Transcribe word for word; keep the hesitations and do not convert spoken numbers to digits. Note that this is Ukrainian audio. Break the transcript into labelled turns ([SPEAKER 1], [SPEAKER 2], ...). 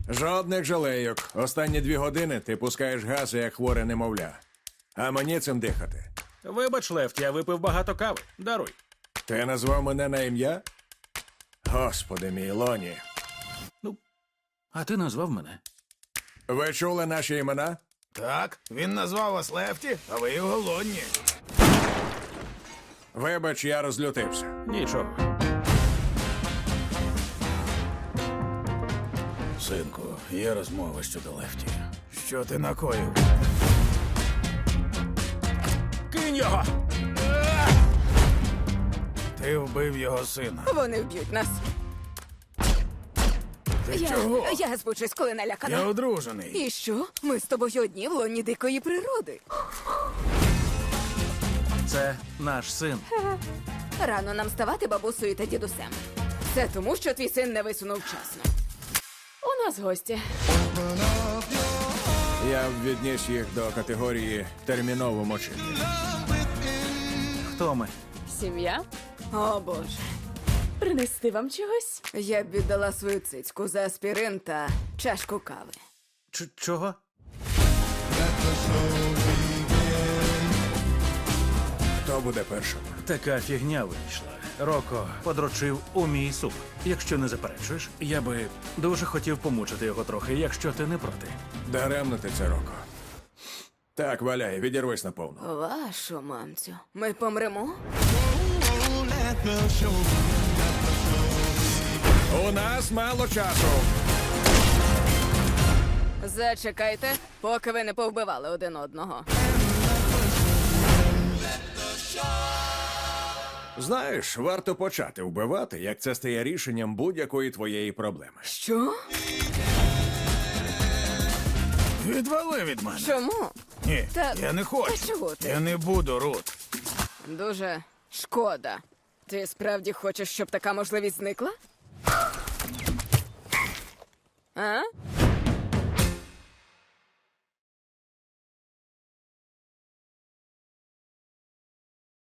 [SPEAKER 1] Жодних жалейок. Останні дві години ти пускаєш гази, як хворе немовля. А мені цим дихати.
[SPEAKER 2] Вибач, Лефт, я випив багато кави. Даруй.
[SPEAKER 1] Ти назвав мене на ім'я? Господи мій, Лоні.
[SPEAKER 2] Ну, а ти назвав мене.
[SPEAKER 1] Ви чули наші імена?
[SPEAKER 3] Так, він назвав вас Лефті, а ви його Лонні.
[SPEAKER 1] Вибач, я розлютився.
[SPEAKER 2] Нічого.
[SPEAKER 3] Синку, є розмова щодо Лефті. Що ти накоїв?
[SPEAKER 2] Кинь його!
[SPEAKER 3] Ти вбив його сина.
[SPEAKER 4] Вони вб'ють нас.
[SPEAKER 3] Ти
[SPEAKER 4] Я,
[SPEAKER 3] чого?
[SPEAKER 4] я збучусь, коли налякана.
[SPEAKER 3] Я одружений.
[SPEAKER 4] І що? Ми з тобою одні в лоні дикої природи.
[SPEAKER 2] Це наш син.
[SPEAKER 4] Рано нам ставати бабусею та дідусем. Це тому, що твій син не висунув вчасно. У нас гості.
[SPEAKER 1] Я б відніс їх до категорії терміново мочити.
[SPEAKER 2] Хто ми?
[SPEAKER 5] Сім'я?
[SPEAKER 4] О, Боже.
[SPEAKER 5] Принести вам чогось?
[SPEAKER 4] Я б віддала свою цицьку за аспірин та чашку кави.
[SPEAKER 2] Ч- чого?
[SPEAKER 1] Хто буде першим?
[SPEAKER 2] Така фігня вийшла. Роко подрочив у мій суп. Якщо не заперечуєш, я би дуже хотів помучити його трохи, якщо ти не проти.
[SPEAKER 1] Даремно ти це, Роко. Так, валяй, відірвись наповну.
[SPEAKER 4] Вашу мамцю. Ми помремо?
[SPEAKER 1] У нас мало часу.
[SPEAKER 4] Зачекайте, поки ви не повбивали один одного.
[SPEAKER 1] Знаєш, варто почати вбивати, як це стає рішенням будь-якої твоєї проблеми.
[SPEAKER 4] Що?
[SPEAKER 3] Відвали від мене.
[SPEAKER 4] Чому?
[SPEAKER 3] Ні,
[SPEAKER 4] Та-
[SPEAKER 3] я не хочу.
[SPEAKER 4] та чого ти?
[SPEAKER 3] Я не буду, Рут.
[SPEAKER 4] Дуже шкода. Ти справді хочеш, щоб така можливість зникла? А?